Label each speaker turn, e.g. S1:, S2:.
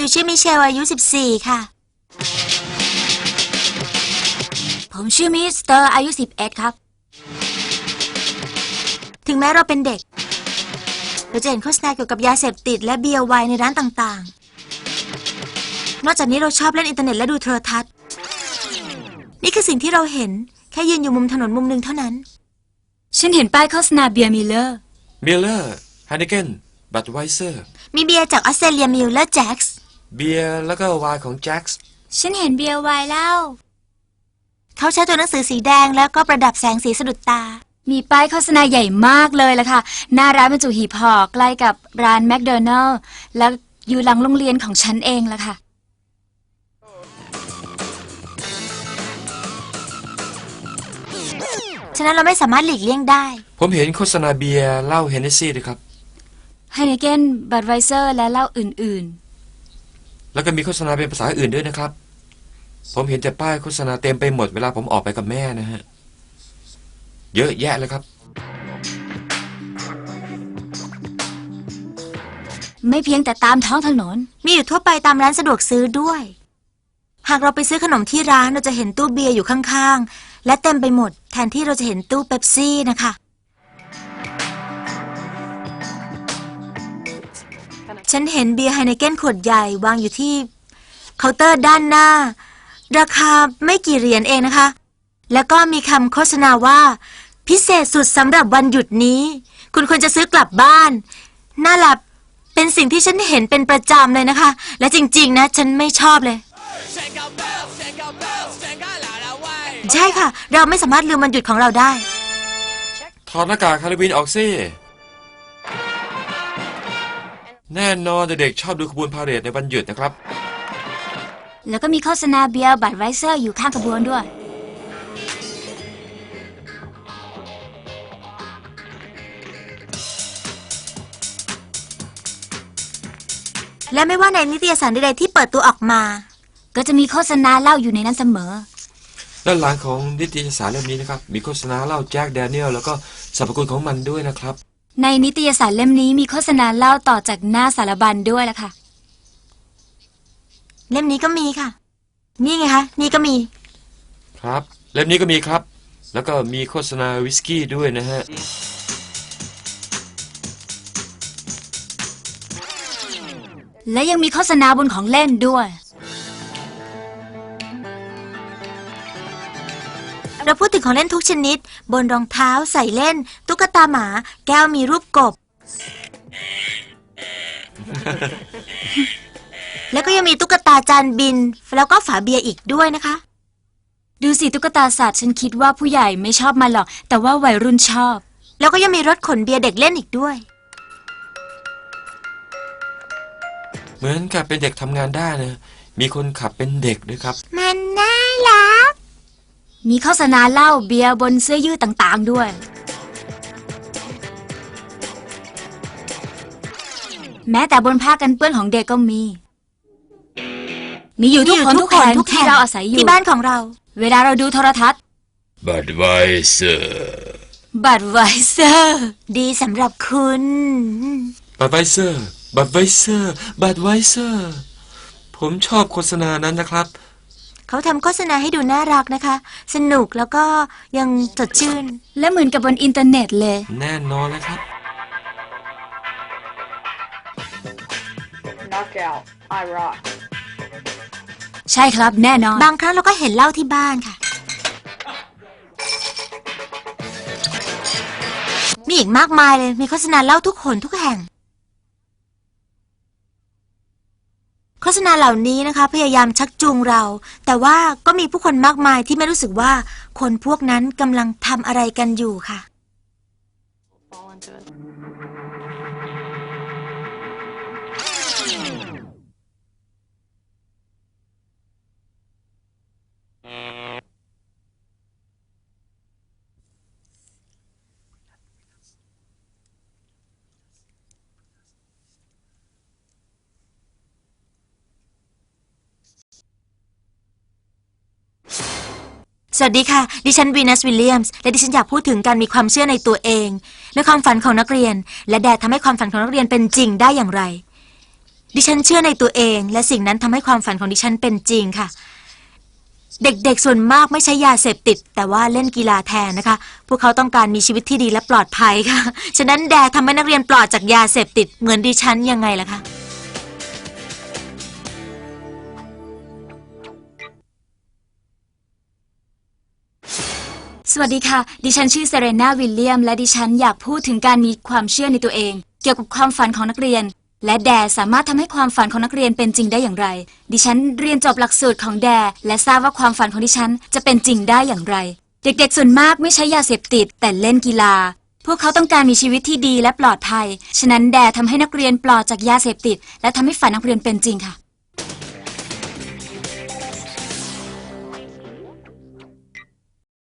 S1: ชื่อมิเชลอายุ14ค่ะผมชื่อมิสเตอร์อายุ11ครับถึงแม้เราเป็นเด็กเราจะเห็นโฆษณาเกี่ยวกับยาเสพติดและเบียร์ไวน์ในร้านต่างๆนอกจากนี้เราชอบเล่นอินเทอร์เน็ตและดูโทรทัศน์นี่คือสิ่งที่เราเห็นแค่ยืนอยู่มุมถนนมุมหนึ่งเท่านั้น
S2: ฉันเห็นป้ายโฆษณาเบียร์มิลเลอร์
S3: ไฮเนเกนบัดไวเซอร์
S1: มีเบียร์จากออสเตรเลียมิลเลอร์แจ็คส์
S3: เบียร์แล้วก็ไวน์ของแจ็คส์
S2: ฉันเห็นเบียร์ไวน์แล้ว
S1: เขาใช้ตัวหนังสือสีแดงแล้วก็ประดับแสงสีสะดุดตา
S2: มีป้ายโฆษณาใหญ่มากเลยล่ะค่ะหน้าร้านบรรจุหีบห่อใกล้กับร้านแมคโดนัลล์แล้วอยู่หลังโรงเรียนของฉันเองล่ะค่ะ
S1: ฉะนั้นเราไม่สามารถหลีกเลี่ยงได้
S3: ผมเห็นโฆษณาเบียร์เหล้าเฮนเนสซี่ด้วยครับ
S2: ไฮเนเกนบัดไวเซอร์และเหล้าอื่น
S3: ๆแล้วก็มีโฆษณาเป็นภาษาอื่นด้วยนะครับผมเห็นแต่ป้ายโฆษณาเต็มไปหมดเวลาผมออกไปกับแม่นะฮะเยอะแยะเลยครับ
S2: ไม่เพียงแต่ตามท้องถนน
S1: มีอยู่ทั่วไปตามร้านสะดวกซื้อด้วยหากเราไปซื้อขนมที่ร้านเราจะเห็นตู้เบียร์อยู่ข้างๆและเต็มไปหมดแทนที่เราจะเห็นตู้เป๊ปซี่นะคะฉันเห็นเบียร์ไฮเนเกนขวดใหญ่วางอยู่ที่เคาน์เตอร์ด้านหน้าราคาไม่กี่เหรียญเองนะคะแล้วก็มีคำโฆษณาว่าพิเศษสุดสำหรับวันหยุดนี้คุณควรจะซื้อกลับบ้านน่าหลับเป็นสิ่งที่ฉันเห็นเป็นประจำเลยนะคะและจริงๆนะฉันไม่ชอบเลยใช่ค่ะเราไม่สามารถลืมวันหยุดของเราได้
S3: ถอดหน้ากากฮาโลวีนออกสิแน่นอนเด็กๆชอบดูขบวนพาเหรดในวันหยุดนะครับ
S2: แล้วก็มีโฆษณาเบียร์บัดไวเซอร์อยู่ข้างขบวนด้วย
S1: และไม่ว่าในนิตยสารใดๆที่เปิดตัวออกมา
S2: ก็จะมีโฆษณาเหล้าอยู่ในนั้นเสมอ
S3: ด้านหลังของนิตยสารเล่มนี้นะครับมีโฆษณาเหล้าแจ็คแดเนียลแล้วก็สรรพคุณของมันด้วยนะครับ
S2: ในนิตยสารเล่มนี้มีโฆษณาเหล้าต่อจากหน้าสารบัญด้วยล่ะค่ะ
S1: เล่มนี้ก็มีค่ะนี่ไงคะนี่ก็มี
S3: ครับเล่มนี้ก็มีครับแล้วก็มีโฆษณาวิสกี้ด้วยนะฮะ
S2: และยังมีโฆษณาบนของเล่นด้วย
S1: เราพูดถึงของเล่นทุกชนิดบนรองเท้าใส่เล่นตุ๊กตาหมาแก้วมีรูปกบ แล้วก็ยังมีตุ๊กตาจานบินแล้วก็ฝาเบียร์อีกด้วยนะคะ
S2: ดูสิตุ๊กตาสัตว์ฉันคิดว่าผู้ใหญ่ไม่ชอบมันหรอกแต่ว่าวัยรุ่นชอบ
S1: แล้วก็ยังมีรถขนเบียร์เด็กเล่นอีกด้วย
S3: เหมือนกับเป็นเด็กทำงานได้นะมีคนขับเป็นเด็กด้วยครับ
S1: มันน่ารัก
S2: มีโฆษณาเหล้าเบียร์บนเสื้อยืดต่างๆด้วยแม้แต่บนผ้ากันเปื้อนของเด็กก็มีอยู่ทุกคนทุกแห่งที่เราอาศัยอยู่
S1: ที่บ้านของเรา
S2: เวลาเราดูโทรทัศน์
S3: บัดไวเซ
S2: อร์
S1: ดีสำหรับคุณ
S3: บัดไวเซอร์ผมชอบโฆษณานั้นนะครับ
S1: เขาทำโฆษณาให้ดูน่ารักนะคะสนุกแล้วก็ยังสดชื่น
S2: และเหมือนกับบนอินเทอร์เน็ตเลย
S3: แน่นอนเลยครับ
S4: Knockout I rock
S2: ใช่ครับแน่นอน
S1: บางครั้งเราก็เห็นเหล้าที่บ้านค่ะมีอีกมากมายเลยมีโฆษณาเหล้าทุกคนทุกแห่งโฆษณาเหล่านี้นะคะพยายามชักจูงเราแต่ว่าก็มีผู้คนมากมายที่ไม่รู้สึกว่าคนพวกนั้นกำลังทำอะไรกันอยู่ค่ะสวัสดีค่ะดิฉันวีนัสวิลเลียมส์และดิฉันอยากพูดถึงการมีความเชื่อในตัวเองและความฝันของนักเรียนและแดดทำให้ความฝันของนักเรียนเป็นจริงได้อย่างไรดิฉันเชื่อในตัวเองและสิ่งนั้นทำให้ความฝันของดิฉันเป็นจริงค่ะ เด็กๆส่วนมากไม่ใช้ยาเสพติดแต่ว่าเล่นกีฬาแทนนะคะพวกเขาต้องการมีชีวิตที่ดีและปลอดภัยค่ะฉะนั้นแดทำให้นักเรียนปลอดจากยาเสพติดเหมือนดิฉันยังไงล่ะคะ
S2: สวัสดีค่ะ ดิฉันชื่อเซเรนาวิลเลียมและดิฉันอยากพูดถึงการมีความเชื่อในตัวเอง เกี่ยวกับความฝันของนักเรียน และแดสามารถทำให้ความฝันของนักเรียนเป็นจริงได้อย่างไร ดิฉันเรียนจบหลักสูตรของแดและทราบว่าความฝันของดิฉันจะเป็นจริงได้อย่างไร เด็กๆส่วนมากไม่ใช้ยาเสพติดแต่เล่นกีฬา พวกเขาต้องการมีชีวิตที่ดีและปลอดภัยฉะนั้นแดทำให้นักเรียนปลอดจากยาเสพติดและทำให้ฝันนักเรียนเป็นจริงค่ะ